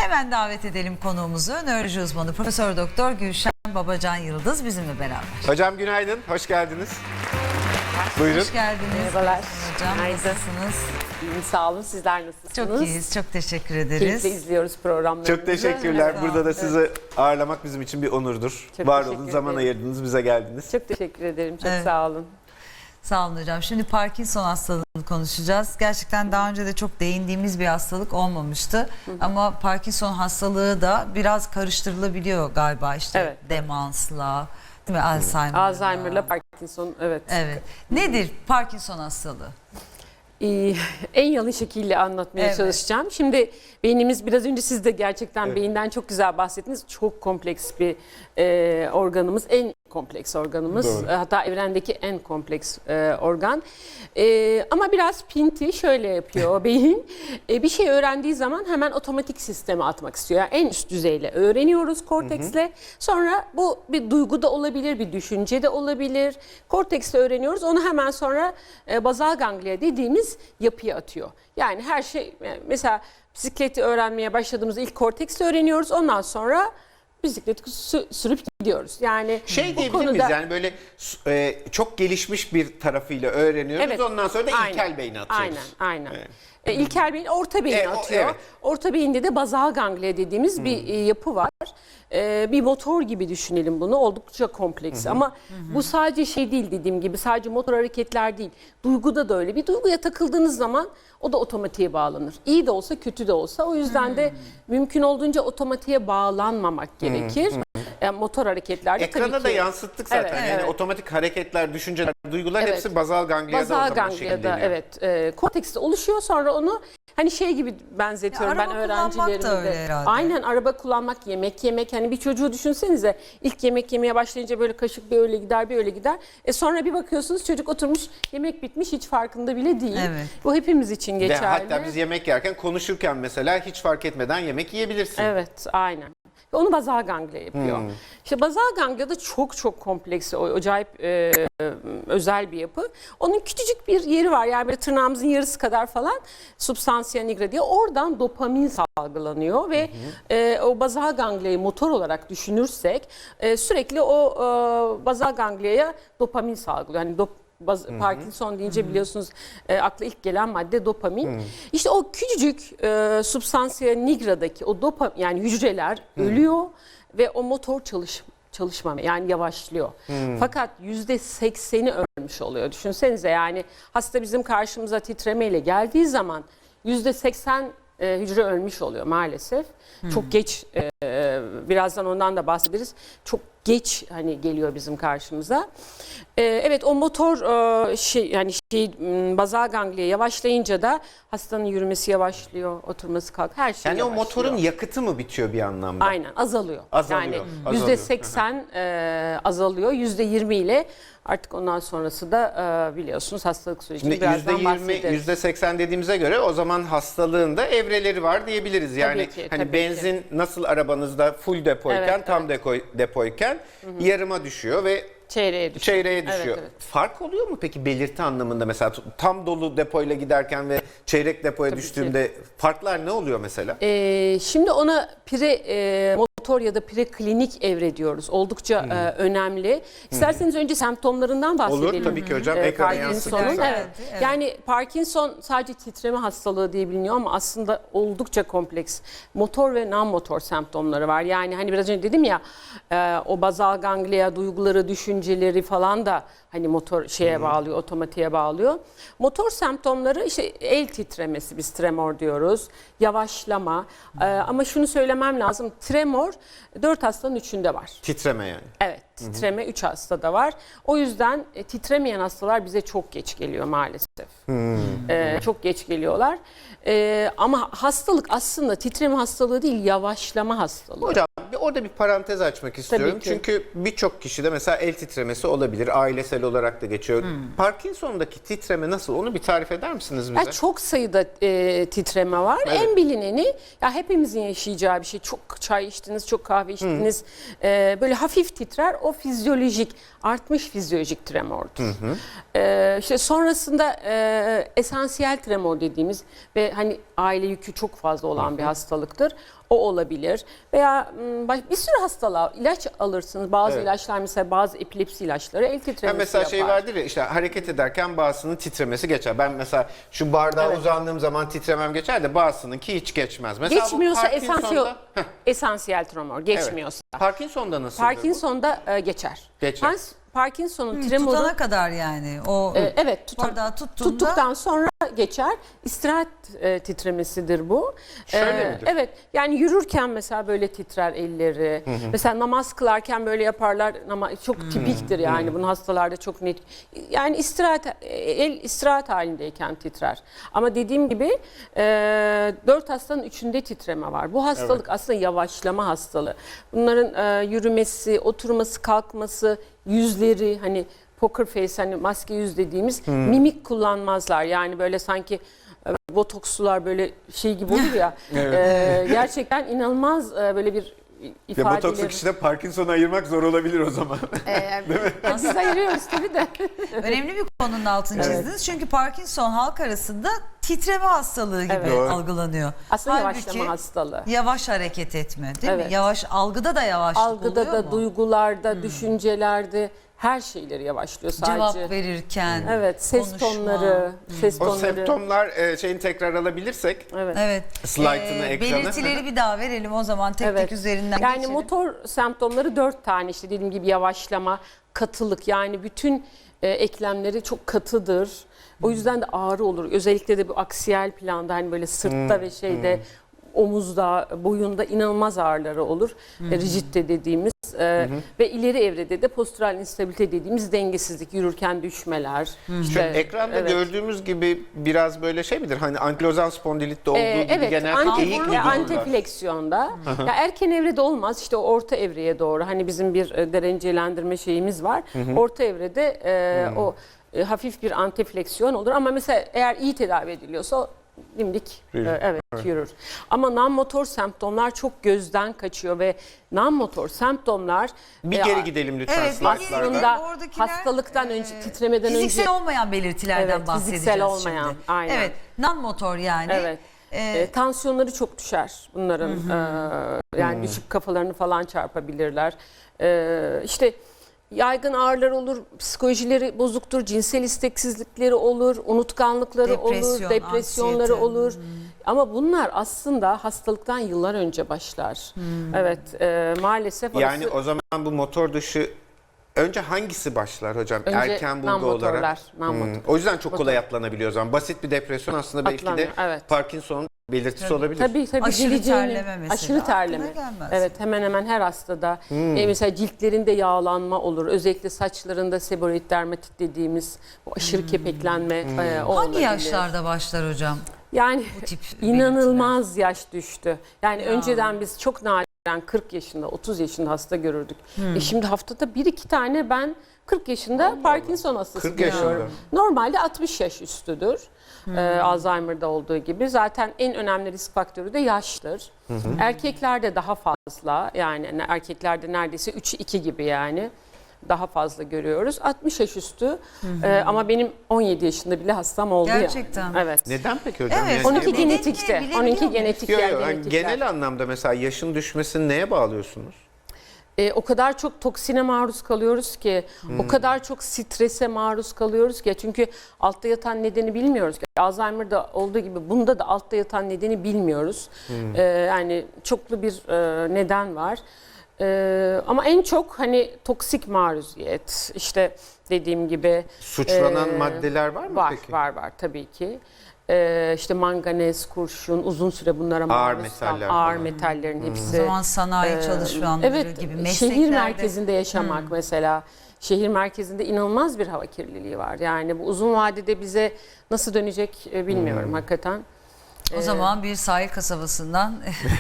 Hemen davet edelim konuğumuzu. Nöroloji uzmanı Profesör Doktor Gülşen Babacan Yıldız bizimle beraber. Hocam günaydın, hoş geldiniz. Buyurun. Hoş geldiniz. Merhabalar. Hocam Günaydın. nasılsınız? İyiyim, sağ olun. Sizler nasılsınız? Çok iyiyiz, çok teşekkür ederiz. Keyifle izliyoruz programlarınızı. Çok teşekkürler. Evet, Burada da evet. sizi ağırlamak bizim için bir onurdur. Çok Var teşekkür olun, zaman ederim. ayırdınız, bize geldiniz. Çok teşekkür ederim. Çok Evet. sağ olun. Sağ olun hocam. Şimdi Parkinson hastalığını konuşacağız. Gerçekten daha önce de çok değindiğimiz bir hastalık olmamıştı. Ama Parkinson hastalığı da biraz karıştırılabiliyor galiba işte Evet. demansla, değil mi? Alzheimer'la. Alzheimer'la Parkinson, evet. Evet. Nedir Parkinson hastalığı? En yalın şekilde anlatmaya Evet. çalışacağım. Şimdi beynimiz, biraz önce siz de gerçekten beyinden çok güzel bahsettiniz. Çok kompleks bir organımız. En kompleks organımız. Doğru. Hatta evrendeki en kompleks organ. Ama biraz pinti şöyle yapıyor beyin. Bir şey öğrendiği zaman hemen otomatik sisteme atmak istiyor. Yani en üst düzeyle öğreniyoruz korteksle. Sonra bu bir duygu da olabilir, bir düşünce de olabilir. Korteksle öğreniyoruz. Onu hemen sonra bazal ganglia dediğimiz yapıya atıyor. Yani her şey, mesela bisikleti öğrenmeye başladığımızda ilk korteksle öğreniyoruz. Ondan sonra bisikleti sürüp gidiyoruz. Yani Şey bu diyebilir miyiz yani böyle çok gelişmiş bir tarafıyla öğreniyoruz. Evet. Ondan sonra da Aynen. ilkel beyni atıyoruz. Aynen. Evet. İlkel beyin orta beyni atıyor. Evet. Orta beyinde de bazal ganglia dediğimiz bir yapı var. Bir motor gibi düşünelim bunu. Oldukça kompleks ama bu sadece şey değil, dediğim gibi sadece motor hareketler değil. Duyguda da öyle. Bir duyguya takıldığınız zaman o da otomatiğe bağlanır. İyi de olsa kötü de olsa. O yüzden de mümkün olduğunca otomatiğe bağlanmamak gerekir. Yani motor hareketlerde Ekrana tabii da ki. yansıttık zaten. Evet, Yani evet. otomatik hareketler, düşünceler, duygular Evet. hepsi bazal ganglia'da o Bazal zaman ganglia'da, şekilleniyor. evet. Kortekste oluşuyor, sonra onu hani şey gibi benzetiyorum Ya, ben araba kullanmak da öğrencilerime öyle de. herhalde. Aynen, araba kullanmak, yemek yemek. Hani bir çocuğu düşünsenize, ilk yemek yemeye başlayınca böyle kaşık bir öyle gider bir öyle gider. Sonra bir bakıyorsunuz çocuk oturmuş, yemek bitmiş, hiç farkında bile değil. Evet. Bu hepimiz için Ve geçerli. hatta biz yemek yerken, konuşurken mesela hiç fark etmeden yemek yiyebilirsin. Evet, aynen. Onu bazal ganglia yapıyor. İşte bazal ganglia da çok çok kompleks, acayip özel bir yapı. Onun küçücük bir yeri var, yani böyle tırnağımızın yarısı kadar falan, substantia nigra diye. Oradan dopamin salgılanıyor ve o bazal ganglia'yı motor olarak düşünürsek sürekli o bazal ganglia'ya dopamin salgılıyor. Yani Parkinson deyince biliyorsunuz akla ilk gelen madde dopamin. İşte o küçücük substantia nigra'daki o dopamin, yani hücreler ölüyor ve o motor çalışmamaya, yani yavaşlıyor. Fakat %80'i ölmüş oluyor. Düşünsenize, yani hasta bizim karşımıza titremeyle geldiği zaman %80 hücre ölmüş oluyor maalesef. Çok geç, birazdan ondan da bahsederiz. Çok geç hani geliyor bizim karşımıza. Evet, o motor bazal ganglia yavaşlayınca da hastanın yürümesi yavaşlıyor, oturması her şey Yani o yavaşlıyor. motorun yakıtı mı bitiyor bir anlamda? Aynen, azalıyor. Azalıyor, Yani azalıyor. %80 azalıyor. %20 ile artık ondan sonrası da biliyorsunuz hastalık sürecini Şimdi birazdan bahsederiz. %80 dediğimize göre o zaman hastalığın da evreleri var diyebiliriz. Yani Tabii ki, hani tabii benzin nasıl arabanızda full depoyken, Evet, tam depoyken yarıma düşüyor ve Çeyreğe düşüyor. çeyreğe düşüyor. Evet. Fark oluyor mu peki belirti anlamında, mesela tam dolu depoyla giderken ve çeyrek depoya Tabii düştüğümde farklar ne oluyor mesela? Şimdi ona motor ya da preklinik evre diyoruz. Oldukça önemli. İsterseniz önce semptomlarından bahsedelim. Olur tabii ki hocam. Ekrana Parkinson'un. yansıtırsak. Evet. Evet. Yani Parkinson sadece titreme hastalığı diye biliniyor ama aslında oldukça kompleks. Motor ve non-motor semptomları var. Yani hani biraz önce dedim ya, o bazal ganglia duyguları, düşünceleri falan da hani motor bağlıyor, otomatiğe bağlıyor. Motor semptomları işte el titremesi, biz tremor diyoruz. Yavaşlama. Ama şunu söylemem lazım. Tremor 4 hastanın 3'ünde var. Titreme yani. Evet, titreme 3 hastada var. O yüzden titremeyen hastalar bize çok geç geliyor maalesef. Çok geç geliyorlar. Ama hastalık aslında titreme hastalığı değil, yavaşlama hastalığı. Hocam orada bir parantez açmak istiyorum. ki. Çünkü birçok kişide mesela el titremesi olabilir. Ailesel olarak da geçiyor. Parkinson'daki titreme nasıl? Onu bir tarif eder misiniz bize? Ya çok sayıda titreme var. Evet. En bilineni, ya hepimizin yaşayacağı bir şey. Çok çay içtiniz, çok kahve içtiniz. Böyle hafif titrer. O fizyolojik, artmış fizyolojik tremordur. İşte sonrasında esansiyel tremor dediğimiz ve hani aile yükü çok fazla olan bir hastalıktır. O olabilir. Veya bir sürü hastalığa ilaç alırsınız. Bazı ilaçlar, mesela bazı epilepsi ilaçları el titremesi mesela yapar. şey vardır ya, işte hareket ederken bazısının titremesi geçer. Ben mesela şu bardağa uzandığım zaman titremem geçer de bazısınınki hiç geçmez. Mesela Geçmiyorsa bu Parkinson'da- esansiyel tremor geçmiyorsa. Parkinson'da nasıl? Parkinson'da geçer. Geçer. Parkinson'un tremoru Tutana kadar yani. O evet bardağı tuttuğunda tuttuktan sonra geçer. İstirahat titremesidir bu. Şöyle midir? Evet, yani yürürken mesela böyle titrer elleri. Mesela namaz kılarken böyle yaparlar ama çok tipiktir yani. Bunun hastalarda çok net. Yani el istirahat halindeyken titrer. Ama dediğim gibi 4 hastanın 3'ünde titreme var. Bu hastalık aslında yavaşlama hastalığı. Bunların yürümesi, oturması, kalkması, yüzleri, hani poker face, hani maske yüz dediğimiz, mimik kullanmazlar. Yani böyle sanki botokslular böyle şey gibi olur ya. Gerçekten inanılmaz böyle bir ifadeleri. botokslu kişide Parkinson'u ayırmak zor olabilir o zaman. Biz ayırıyoruz tabii de. önemli bir konunun altını çizdiniz. Çünkü Parkinson halk arasında titreme hastalığı gibi Doğru. algılanıyor. Aslında Halbuki yavaşlama hastalığı. yavaş hareket etme, değil mi? Evet. Yavaş, algıda da yavaşlık Algıda oluyor da, mu? duygularda, düşüncelerde her şeyleri yavaşlıyor sadece. Cevap verirken, Evet, ses konuşma. tonları, ses O tonları. semptomlar şeyini tekrar alabilirsek. Evet. Evet. Slide'ını, ekranı. Belirtileri bir daha verelim o zaman tek tek üzerinden Yani geçelim. motor semptomları 4 tane, işte dediğim gibi yavaşlama, katılık, yani bütün eklemleri çok katıdır. O yüzden de ağrı olur. Özellikle de bu aksiyel planda, hani böyle sırtta ve şeyde omuzda, boyunda inanılmaz ağrıları olur. Rigitte dediğimiz ve ileri evrede de postural instabilite dediğimiz dengesizlik, yürürken düşmeler. İşte, Ekranda gördüğümüz gibi biraz böyle şey midir? Hani ankilozan spondilitte olduğu gibi evet, genelde eğik mi dururlar? antefleksiyonda. Ya erken evrede olmaz, işte o orta evreye doğru. Hani bizim bir derecelendirme şeyimiz var. Orta evrede o hafif bir antefleksiyon olur, ama mesela eğer iyi tedavi ediliyorsa o dimdik yürür. Ama non-motor semptomlar çok gözden kaçıyor ve non-motor semptomlar Bir geri gidelim lütfen Evet, slaytlarda. aslında Oradakiler, hastalıktan önce, titremeden fiziksel önce olmayan belirtilerden Evet, bahsedeceğiz fiziksel olmayan, şimdi. aynen. Evet, non-motor yani. evet. Tansiyonları çok düşer bunların. Yani düşüp kafalarını falan çarpabilirler. İşte yaygın ağrılar olur, psikolojileri bozuktur, cinsel isteksizlikleri olur, unutkanlıkları olur, depresyonları anksiyete. olur. Ama bunlar aslında hastalıktan yıllar önce başlar. Evet, maalesef orası Yani o zaman bu motor dışı önce hangisi başlar hocam? Önce Erken bulgu non-motorlar, olarak. non-motor. O yüzden çok kolay atlanabiliyor o zaman. Basit bir depresyon aslında belki de Atlanıyor, evet. Parkinson'un belirtisi olabilir. Tabii Aşırı geleceğini- terleme mesela. Aşırı terleme. Aklına gelmez. Evet, hemen hemen her hastada. Mesela ciltlerinde yağlanma olur. Özellikle saçlarında seboreik dermatit dediğimiz bu aşırı kepeklenme o Hangi olabilir. yaşlarda başlar hocam? Yani bu tip inanılmaz yaş düştü. Yani önceden biz çok nadiren 40 yaşında, 30 yaşında hasta görürdük. Şimdi haftada 1-2 tane ben 40 yaşında Parkinson hastası 40 yaşında. görüyorum. Normalde 60 yaş üstüdür. Alzheimer'da olduğu gibi. Zaten en önemli risk faktörü de yaştır. Erkeklerde daha fazla, yani erkeklerde neredeyse 3'ü 2 gibi yani. Daha fazla görüyoruz. 60 yaş üstü ama benim 17 yaşında bile hastam oldu Gerçekten. yani. Evet. Neden peki hocam? Evet, Yani 12 Nedenini genetikte. bilebiliyor 12 muyuz? genetik Yok, yer yok, genetikler. genel anlamda mesela yaşın düşmesini neye bağlıyorsunuz? O kadar çok toksine maruz kalıyoruz ki, o kadar çok strese maruz kalıyoruz ki. Çünkü altta yatan nedeni bilmiyoruz. Alzheimer'da olduğu gibi bunda da altta yatan nedeni bilmiyoruz. Yani çoklu bir neden var. Ama en çok hani toksik maruziyet, işte dediğim gibi. Suçlanan maddeler var mı peki? Var tabii ki. İşte manganez, kurşun, uzun süre bunlara Ağır maruz metaller ağır falan. metallerin O hepsi. zaman sanayi çalışanları Evet, gibi şehir mesleklerde. merkezinde yaşamak mesela. Şehir merkezinde inanılmaz bir hava kirliliği var. Yani bu uzun vadede bize nasıl dönecek bilmiyorum hakikaten. O zaman bir sahil kasabasından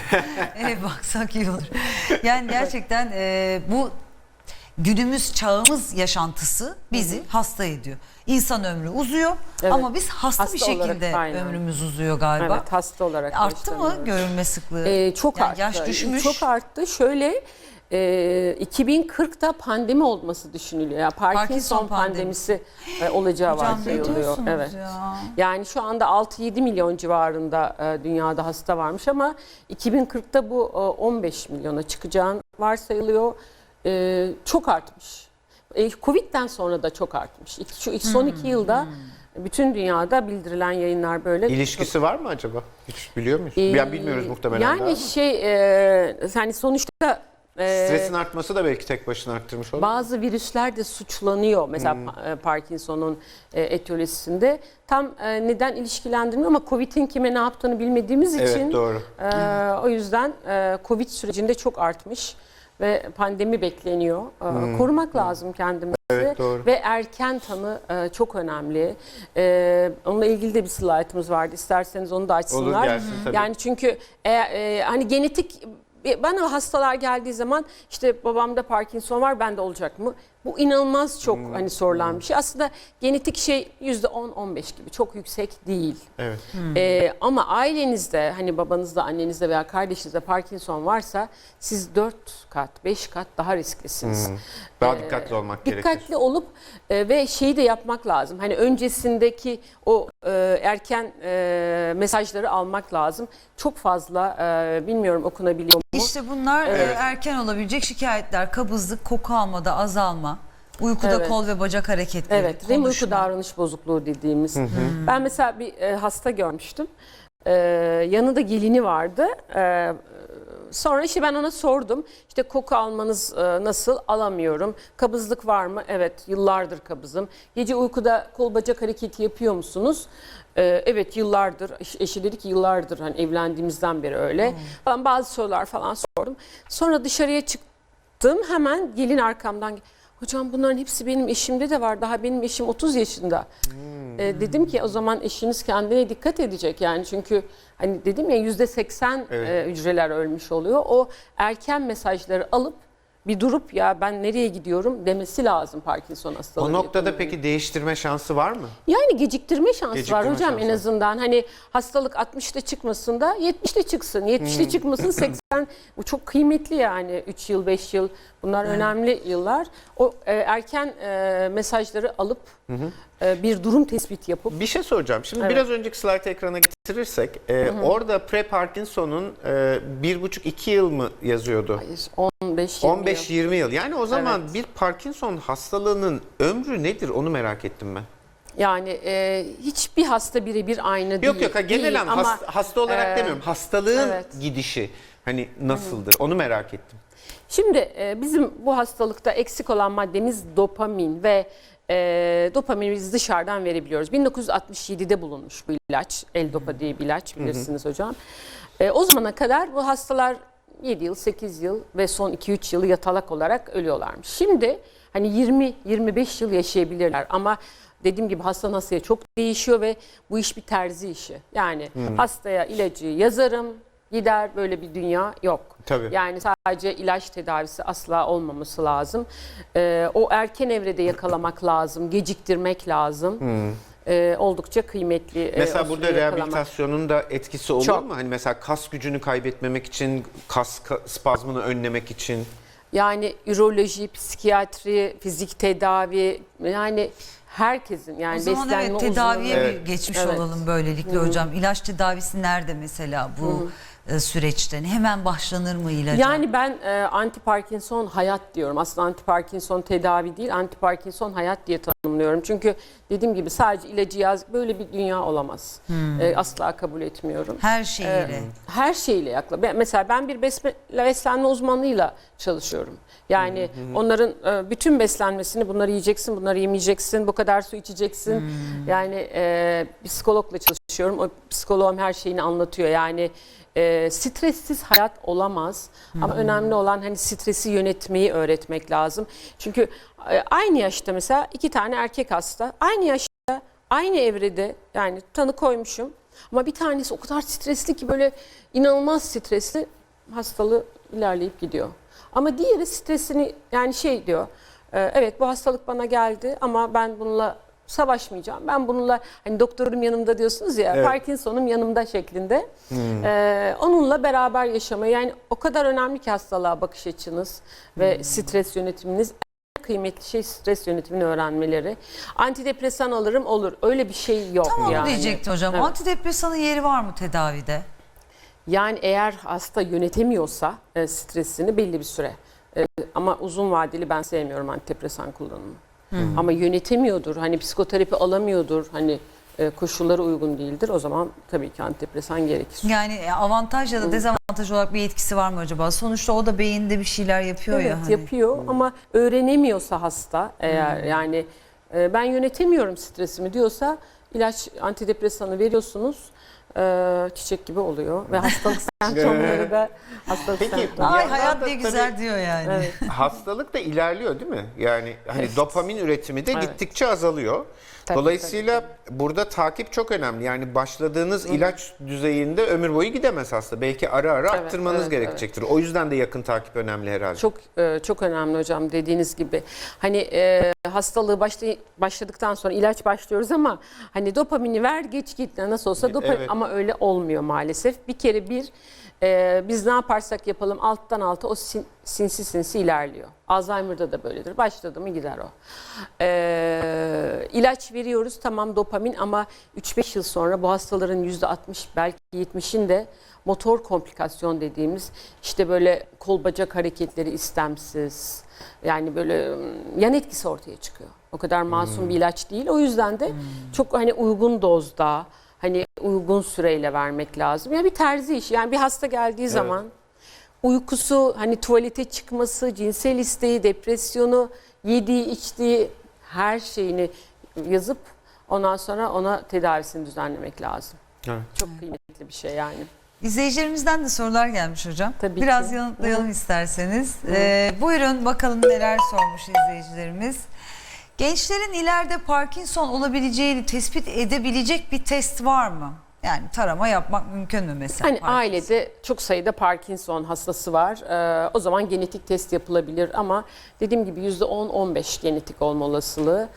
baksak iyi olur. Yani gerçekten bu günümüz çağımız yaşantısı bizi hasta ediyor. İnsan ömrü uzuyor ama biz hasta bir olarak, şekilde aynen. ömrümüz uzuyor galiba. Evet, hasta olarak Arttı mı yaşlanıyoruz. görülme sıklığı? Çok Yani arttı. yaş düşmüş. Çok arttı. Şöyle 2040'da pandemi olması düşünülüyor. Yani Parkinson pandemisi olacağı Hocam ne varsayılıyor. diyorsunuz Evet. ya? Yani şu anda 6-7 milyon civarında dünyada hasta varmış ama 2040'ta bu 15 milyona çıkacağını varsayılıyor. Çok artmış. Covid'den sonra da çok artmış. Şu son 2 yılda bütün dünyada bildirilen yayınlar böyle. İlişkisi var mı acaba? Hiç biliyor muyuz? Ya bilmiyoruz muhtemelen. Yani daha ama. yani sonuçta Stresin artması da belki tek başına arttırmış olur. bazı virüsler de suçlanıyor. Mesela Parkinson'un etiyolojisinde tam neden ilişkilendirmiyor ama Covid'in kime ne yaptığını bilmediğimiz Evet, için doğru. o yüzden Covid sürecinde çok artmış ve pandemi bekleniyor. Korumak lazım kendimizi. Evet, doğru. Ve erken tanı çok önemli. Onunla ilgili de bir slaytımız vardı. İsterseniz onu da açsınlar. Olur, gelsin tabii. Yani çünkü hani genetik bana hastalar geldiği zaman işte babamda Parkinson var, bende olacak mı? Bu inanılmaz çok hani sorulan bir şey. Aslında genetik şey %10-15 gibi çok yüksek değil. Evet. Ama ailenizde hani babanızda, annenizde veya kardeşinizde Parkinson varsa siz 4 kat, 5 kat daha risklisiniz. Daha dikkatli olmak gerekir. Dikkatli olup ve şeyi de yapmak lazım. Hani öncesindeki o erken mesajları almak lazım. Çok fazla bilmiyorum okunabiliyor mu? İşte bunlar erken olabilecek şikayetler. Kabızlık, koku almada azalma, uykuda Evet. kol ve bacak hareketleri, Evet, REM uyku konuşma. davranış bozukluğu dediğimiz. Ben mesela bir hasta görmüştüm. Yanında gelini vardı. Sonra işte ben ona sordum. İşte koku almanız nasıl? Alamıyorum. Kabızlık var mı? Evet, yıllardır kabızım. Gece uykuda kol bacak hareketi yapıyor musunuz? Evet, yıllardır. Eşi dedi ki yıllardır hani evlendiğimizden beri öyle. Falan bazı sorular falan sordum. Sonra dışarıya çıktım. Hemen gelin arkamdan. Hocam bunların hepsi benim eşimde de var. Daha benim eşim 30 yaşında. Dedim ki o zaman eşiniz kendine dikkat edecek. Yani çünkü hani dedim ya %80 Evet. hücreler ölmüş oluyor. O erken mesajları alıp bir durup ya ben nereye gidiyorum demesi lazım Parkinson hastalığı. O noktada yakınında. peki değiştirme şansı var mı? Yani geciktirme şansı Geciktirme var hocam şansı en var. azından. Hani hastalık 60'ta çıkmasın da 70'te çıksın. 70'te çıkmasın 80. Bu çok kıymetli yani 3 yıl 5 yıl bunlar önemli yıllar. O erken mesajları alıp bir durum tespiti yapıp Bir şey soracağım. Şimdi Evet. biraz önceki slide ekrana getirirsek orada pre-Parkinson'un 1,5-2 yıl mı yazıyordu? 15-20 yıl. 15-20 yıl. Yani o zaman Evet. bir Parkinson hastalığının ömrü nedir onu merak ettim ben. Yani hiçbir hasta birebir aynı değil. Yok genel Değil anlamda hasta olarak demiyorum. Hastalığın evet. gidişi hani nasıldır onu merak ettim. Şimdi bizim bu hastalıkta eksik olan maddemiz dopamin ve dopamini biz dışarıdan verebiliyoruz. 1967'de bulunmuş bu ilaç, L-Dopa diye bir ilaç bilirsiniz hocam. O zamana kadar bu hastalar 7 yıl, 8 yıl ve son 2-3 yılı yatalak olarak ölüyorlarmış. Şimdi hani 20-25 yıl yaşayabilirler ama dediğim gibi hastadan hastaya çok değişiyor ve bu iş bir terzi işi. Yani hastaya ilacı yazarım, gider, böyle bir dünya yok. Tabii. Yani sadece ilaç tedavisi asla olmaması lazım. O erken evrede yakalamak lazım, geciktirmek lazım. Oldukça kıymetli. Mesela o burada süreyi yakalamak. rehabilitasyonun da etkisi olur Çok. mu? Hani mesela kas gücünü kaybetmemek için, kas spazmını önlemek için. Yani üroloji, psikiyatri, fizik tedavi yani herkesin yani O zaman beslenme evet tedaviye uzmanı. bir geçmiş Evet. olalım böylelikle hocam. İlaç tedavisi nerede mesela bu süreçten? Hemen başlanır mı ilaca? Yani ben anti Parkinson hayat diyorum. Aslında anti Parkinson tedavi değil, anti Parkinson hayat diye tanımlıyorum. Çünkü dediğim gibi sadece ilacı yaz böyle bir dünya olamaz. Asla kabul etmiyorum. Her şeyiyle. Her şeyle mesela ben bir beslenme uzmanıyla çalışıyorum. Yani onların bütün beslenmesini bunları yiyeceksin, bunları yemeyeceksin, bu kadar su içeceksin. Yani psikologla çalışıyorum. O psikoloğum her şeyini anlatıyor. Yani stressiz hayat olamaz. Ama önemli olan hani stresi yönetmeyi öğretmek lazım. Çünkü aynı yaşta mesela 2 tane erkek hasta aynı yaşta aynı evrede yani tanı koymuşum. Ama bir tanesi o kadar stresli ki böyle inanılmaz stresli hastalığı ilerleyip gidiyor. Ama diğeri stresini yani şey diyor. Evet bu hastalık bana geldi ama ben bununla savaşmayacağım. Ben bununla hani doktorum yanımda diyorsunuz ya, Evet. Parkinson'um yanımda şeklinde. Onunla beraber yaşamayı, yani o kadar önemli ki hastalığa bakış açınız ve stres yönetiminiz. En kıymetli şey stres yönetimini öğrenmeleri. Antidepresan alırım olur. Öyle bir şey yok Tam onu yani. diyecektim hocam. Evet. Antidepresanın yeri var mı tedavide? Yani eğer hasta yönetemiyorsa stresini belli bir süre, ama uzun vadeli ben sevmiyorum antidepresan kullanımı. Ama yönetemiyordur, hani psikoterapi alamıyordur, hani koşulları uygun değildir, o zaman tabii ki antidepresan gerekir. Yani avantaj ya da dezavantaj olarak bir etkisi var mı acaba? Sonuçta o da beyinde bir şeyler yapıyor Evet, ya. Hani. yapıyor ama öğrenemiyorsa hasta, eğer yani ben yönetemiyorum stresimi diyorsa, ilaç, antidepresanı veriyorsunuz. Çiçek gibi oluyor ve hastalık semptomları da Peki, semptomları. Ay Bir yandan hayat da ne güzel tabii- diyor yani. Evet. Hastalık da ilerliyor değil mi? Yani hani dopamin üretimi de Evet. gittikçe azalıyor. Tabii, Dolayısıyla burada takip çok önemli. Yani başladığınız ilaç düzeyinde ömür boyu gidemez hasta. Belki ara ara Evet, arttırmanız evet, gerekecektir. O yüzden de yakın takip önemli herhalde. Çok önemli hocam, dediğiniz gibi. Hani hastalığı başladıktan sonra ilaç başlıyoruz ama hani dopamini ver geç git, nasıl olsa dopamin, Evet. ama öyle olmuyor maalesef. Bir kere biz ne yaparsak yapalım alttan alta o sinsi ilerliyor. Alzheimer'da da böyledir. Başladı mı gider o. İlaç veriyoruz, tamam, dopamin, ama 3-5 yıl sonra bu hastaların %60 belki 70'inde motor komplikasyon dediğimiz, işte böyle kol bacak hareketleri istemsiz, yani böyle yan etkisi ortaya çıkıyor. O kadar masum bir ilaç değil. O yüzden de çok hani uygun dozda, hani uygun süreyle vermek lazım. Ya bir terzi işi. Yani bir hasta geldiği zaman uykusu, hani tuvalete çıkması, cinsel isteği, depresyonu, yediği, içtiği her şeyini yazıp ondan sonra ona tedavisini düzenlemek lazım. Evet. Çok kıymetli bir şey yani. İzleyicilerimizden de sorular gelmiş hocam. Tabii Biraz ki. yanıtlayalım isterseniz. Buyurun bakalım neler sormuş izleyicilerimiz. Gençlerin ileride Parkinson olabileceğini tespit edebilecek bir test var mı? Yani tarama yapmak mümkün mü mesela? Hani Parkinson? ailede çok sayıda Parkinson hastası var. O zaman genetik test yapılabilir ama dediğim gibi %10-15 genetik olma olasılığı.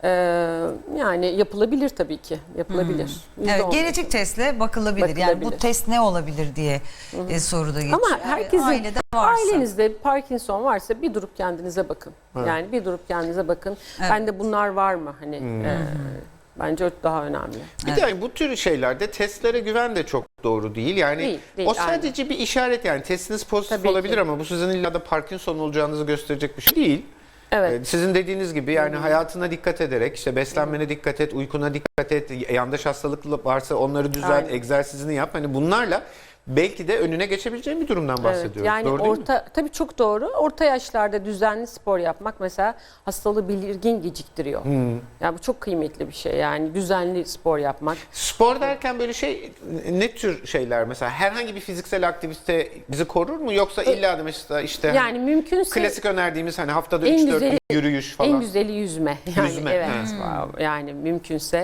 Yani yapılabilir tabii ki. Yapılabilir. Evet, %15. genetik testle bakılabilir. Yani bu Bakılabilir. test ne olabilir diye soruda geçiyor. Ama herkesin, ailede varsa. ailenizde Parkinson varsa bir durup kendinize bakın. Yani bir durup kendinize bakın. Evet. Bende bunlar var mı? Hani bence o daha önemli. Bir de yani bu tür şeylerde testlere güven de çok doğru değil. Yani Değil, o sadece bir işaret, yani testiniz pozitif Tabii olabilir ki. ama bu sizin illa da Parkinson olacağınızı gösterecek bir şey değil. Evet. Sizin dediğiniz gibi yani hayatına dikkat ederek, işte beslenmene dikkat et, uykuna dikkat et, yandaş hastalık varsa onları düzelt, Aynen. egzersizini yap. Hani bunlarla belki de önüne geçebileceğin bir durumdan bahsediyoruz. Evet, yani doğru değil mi? tabii çok doğru. Orta yaşlarda düzenli spor yapmak mesela hastalığı belirgin geciktiriyor. Yani bu çok kıymetli bir şey. Yani düzenli spor yapmak. Spor derken böyle ne tür şeyler, mesela herhangi bir fiziksel aktivite bizi korur mu, yoksa illa da mesela işte Yani mümkünse klasik önerdiğimiz hani haftada en 3-4 güzeli- yürüyüş falan. en güzeli yüzme. Yani Yüzme, evet. evet. Yani mümkünse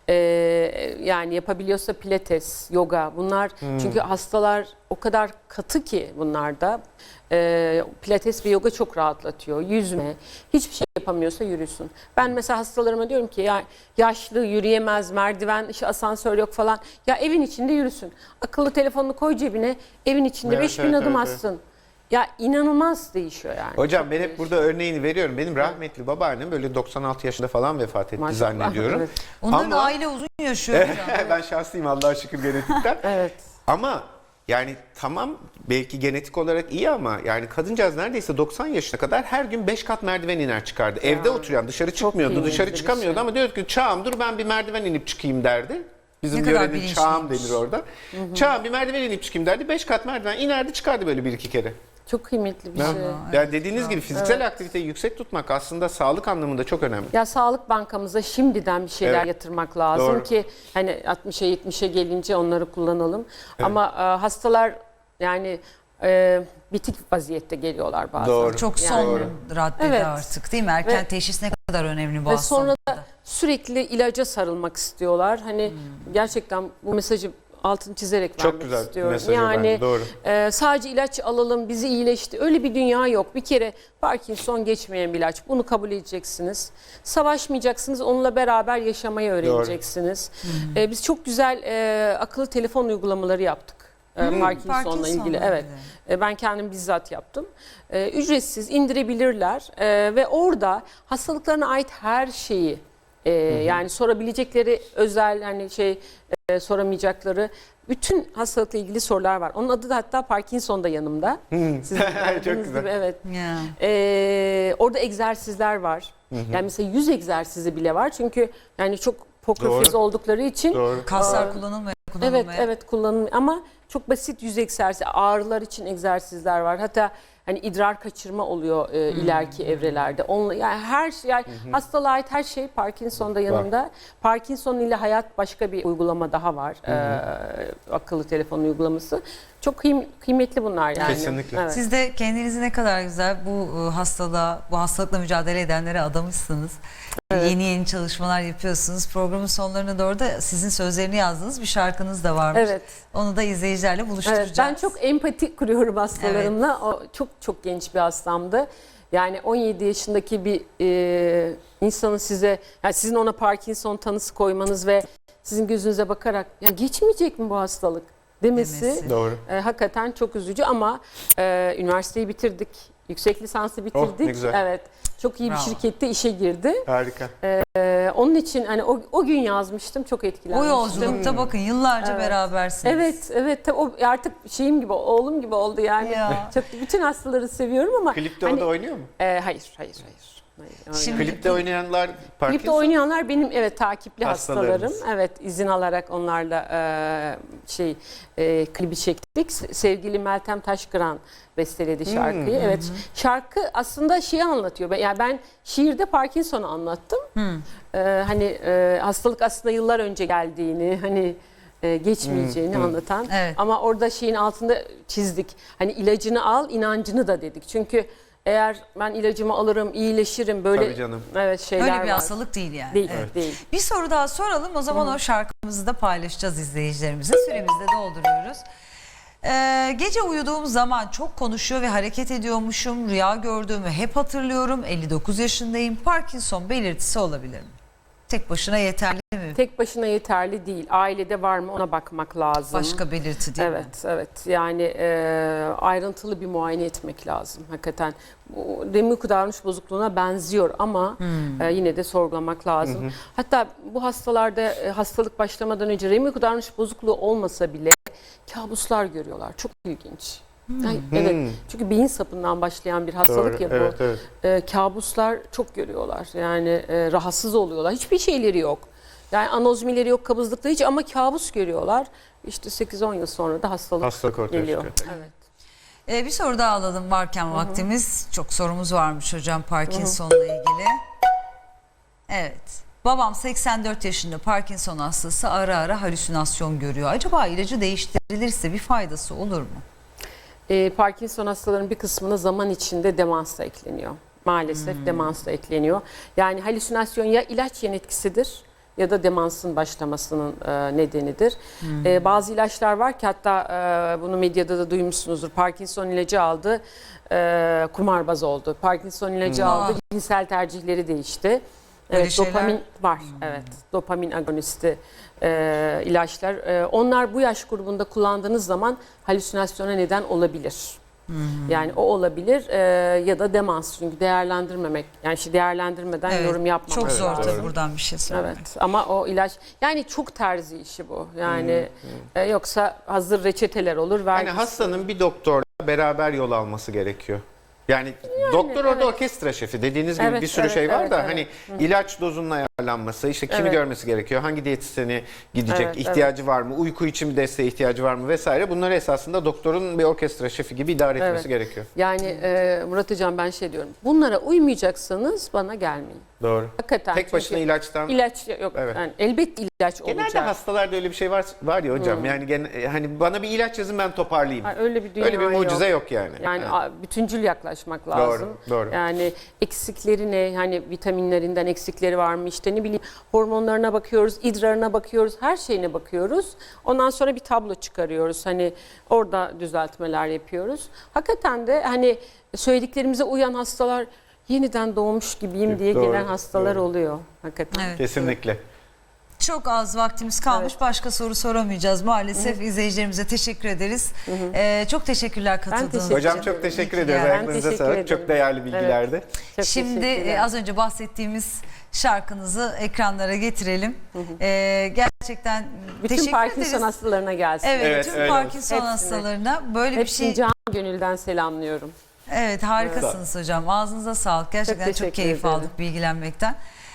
yani yapabiliyorsa pilates, yoga, bunlar çünkü hastalar o kadar katı ki bunlarda. Pilates ve yoga çok rahatlatıyor. Yüzme, hiçbir şey yapamıyorsa yürüsün. Ben mesela hastalarıma diyorum ki ya yaşlı yürüyemez, merdiven, işte asansör yok falan. Ya evin içinde yürüsün. Akıllı telefonunu koy cebine, evin içinde Evet, 5000 evet, adım evet, atsın. Ya inanılmaz değişiyor yani. Hocam Çok ben hep değişiyor. burada örneğini veriyorum. Benim rahmetli babaannem böyle 96 yaşında falan vefat etti Maşallah, zannediyorum. evet. Onların Ama aile uzun yaşıyor hocam. ben şanslıyım Allah'a şükür genetikten. Evet. Ama yani tamam, belki genetik olarak iyi ama yani kadıncağız neredeyse 90 yaşına kadar her gün 5 kat merdiven iner çıkardı. Evde oturuyan, dışarı çıkmıyordu, kıymetli dışarı bir çıkamıyordu şey. ama diyordu ki çağım dur ben bir merdiven inip çıkayım derdi. Bizim Ne kadar yörenin çağım bilinçliymiş. denir orada. Çağım bir merdiven inip çıkayım derdi. 5 kat merdiven inerdi çıkardı böyle 1-2 kere. Çok kıymetli bir şey. Yani dediğiniz gibi fiziksel aktiviteyi yüksek tutmak aslında sağlık anlamında çok önemli. Ya Sağlık Bankamıza şimdiden bir şeyler Evet. yatırmak lazım Doğru. ki hani 60'a 70'e gelince onları kullanalım. Ama hastalar yani bitik vaziyette geliyorlar bazen. Doğru. Çok son Yani. raddede Evet. artık değil mi? Erken Ve- teşhis ne kadar önemli bu Ve sonra hastalıkta. da sürekli ilaca sarılmak istiyorlar. Hani gerçekten bu mesajı altını çizerek Çok vermek güzel istiyorum. mesajı Yani bence, doğru. sadece ilaç alalım bizi iyileşti. Öyle bir dünya yok. Bir kere Parkinson geçmeyen bir ilaç. Bunu kabul edeceksiniz. Savaşmayacaksınız. Onunla beraber yaşamayı öğreneceksiniz. Biz çok güzel akıllı telefon uygulamaları yaptık. Parkinson'la ilgili. Evet. Ben kendim bizzat yaptım. Ücretsiz indirebilirler ve orada hastalıklarına ait her şeyi yani sorabilecekleri özel hani soramayacakları bütün hastalıkla ilgili sorular var. Onun adı da hatta Parkinson'da yanımda. Sizin Çok gördüğünüz güzel. gibi, evet. Ya. Orada egzersizler var. Yani mesela 100 egzersizi bile var. Çünkü yani çok pokerface oldukları için Doğru. Kaslar kullanılmıyor. evet evet kullanılmıyor ama çok basit yüz egzersizi, ağrılar için egzersizler var. Hatta hani idrar kaçırma oluyor ileriki evrelerde. Yani her şey, yani hastalığa ait her şey Parkinson'da yanımda. Parkinson ile hayat başka bir uygulama daha var. Akıllı telefon uygulaması. Çok kıymetli bunlar yani. Kesinlikle. Evet. Siz de kendinizi ne kadar güzel bu hastalıkla mücadele edenlere adamışsınız. Yeni yeni çalışmalar yapıyorsunuz. Programın sonlarına doğru da sizin sözlerini yazdığınız bir şarkınız da varmış. Evet. Onu da izleyicilerle buluşturacağız. Evet, ben çok empati kuruyorum hastalarımla. O çok genç bir hastamdı. Yani 17 yaşındaki bir insanın yani sizin ona Parkinson tanısı koymanız ve sizin gözünüze bakarak ya geçmeyecek mi bu hastalık demesi. Doğru. Hakikaten çok üzücü ama üniversiteyi bitirdik. Yüksek lisansı bitirdik. ne güzel. Evet. Çok iyi bir Bravo. şirkette işe girdi. Harika. Onun için hani o gün yazmıştım, çok O etkilenmiştim. yolculukta bakın yıllarca berabersiniz. Evet o artık şeyim gibi, oğlum gibi oldu yani. Ya. Çok bütün hastaları seviyorum ama Klipte o hani, da oynuyor mu? hayır. Şimdi- Klipte oynayanlar Parkinson. Klipte oynayanlar benim takipli hastalarım. Hastalarınız. Evet, izin alarak onlarla klibi çektik. Sevgili Meltem Taşkıran besteledi şarkıyı. Evet. Şarkı aslında anlatıyor. Yani ben şiirde Parkinson'u anlattım. Hastalık aslında yıllar önce geldiğini, hani geçmeyeceğini anlatan. Evet. Ama orada şeyin altında çizdik. Hani ilacını al, inancını da dedik. Çünkü eğer ben ilacımı alırım, iyileşirim böyle Tabii canım. evet şeyler Öyle bir var. hastalık değil yani. Değil, Evet. değil. Bir soru daha soralım. O zaman o şarkımızı da paylaşacağız izleyicilerimize. Süremizi de dolduruyoruz. Gece uyuduğum zaman çok konuşuyor ve hareket ediyormuşum. Rüya gördüğümü hep hatırlıyorum. 59 yaşındayım. Parkinson belirtisi olabilir mi? Tek başına yeterli mi? Tek başına yeterli değil. Ailede var mı ona bakmak lazım. Başka belirti değil mi? Evet. Yani ayrıntılı bir muayene etmek lazım hakikaten. Remiko davranış bozukluğuna benziyor ama yine de sorgulamak lazım. Hatta bu hastalarda hastalık başlamadan önce remiko davranış bozukluğu olmasa bile kabuslar görüyorlar. Çok ilginç. Yani, evet. Çünkü beyin sapından başlayan bir hastalık ya bu. Evet. Kabuslar çok görüyorlar. Yani rahatsız oluyorlar. Hiçbir şeyleri yok. Yani anozmileri yok, kabızlıkları hiç ama kabus görüyorlar. İşte 8-10 yıl sonra da hastalık ortaya geliyor. çıkıyor. Evet. Bir soru daha alalım varken vaktimiz. Çok sorumuz varmış hocam Parkinson'la ilgili. Evet. Babam 84 yaşında Parkinson hastası, ara ara halüsinasyon görüyor. Acaba ilacı değiştirilirse bir faydası olur mu? Parkinson hastalarının bir kısmına zaman içinde demans da ekleniyor. Maalesef demans da ekleniyor. Yani halüsinasyon ya ilaç yan etkisidir ya da demansın başlamasının nedenidir. Bazı ilaçlar var ki hatta bunu medyada da duymuşsunuzdur. Parkinson ilacı aldı, kumarbaz oldu. Parkinson ilacı aldı, cinsel tercihleri değişti. Böyle Evet, şeyler- dopamin var. Evet, dopamin agonisti ilaçlar. Onlar bu yaş grubunda kullandığınız zaman halüsinasyona neden olabilir. Yani o olabilir ya da demans, çünkü değerlendirmemek, yani değerlendirmeden yorum yapmamak Çok zor lazım. tabii buradan bir şey söylemek. Evet, ama o ilaç yani çok terzi işi bu. Yani yoksa hazır reçeteler olur. Yani hastanın bir doktorla beraber yol alması gerekiyor. Yani doktor orada orkestra şefi, dediğiniz gibi Evet, bir sürü evet, şey var evet, da evet. hani ilaç dozunun ayarlanması, işte kimi Evet. görmesi gerekiyor, hangi diyetisyeni gidecek, Evet, ihtiyacı var mı, uyku için bir desteğe ihtiyacı var mı vesaire, bunları esasında doktorun bir orkestra şefi gibi idare etmesi Evet. gerekiyor. Yani Murat Hocam ben diyorum. Bunlara uymayacaksanız bana gelmeyin. Doğru. Hakikaten. Tek başına çünkü ilaçtan ilaç yok. Evet. Yani elbette ilaç genelde olacak. hastalarda öyle bir şey var ya hocam. Yani hani bana bir ilaç yazın ben toparlayayım. Öyle bir dünya Öyle bir mucize yok yani. Yani Evet. bütüncül yaklaş. çalışmak lazım. doğru. Yani eksikleri ne? Hani vitaminlerinden eksikleri var mı? İşte ne bileyim hormonlarına bakıyoruz, idrarına bakıyoruz, her şeyine bakıyoruz. Ondan sonra bir tablo çıkarıyoruz. Hani orada düzeltmeler yapıyoruz. Hakikaten de hani söylediklerimize uyan hastalar yeniden doğmuş gibiyim diye Doğru, gelen hastalar doğru. oluyor hakikaten. Evet. Kesinlikle. Çok az vaktimiz kalmış. Başka soru soramayacağız maalesef. İzleyicilerimize teşekkür ederiz. Çok teşekkürler katıldığınız teşekkür için. Hocam çok teşekkür İyi ki ediyoruz. geldin. Ayaklarınıza teşekkür sağlık. ederim. Çok değerli bilgilerdi. Çok Şimdi teşekkürler. az önce bahsettiğimiz şarkınızı ekranlara getirelim. Gerçekten Bütün teşekkür Parkinson ederiz. hastalarına gelsin. Evet, Evet, tüm öyle Parkinson olsun. hastalarına böyle bir Hepsini şey. can gönülden selamlıyorum. Evet, harikasınız hocam. Ağzınıza sağlık. Gerçekten çok teşekkür keyif ederim. aldık bilgilenmekten.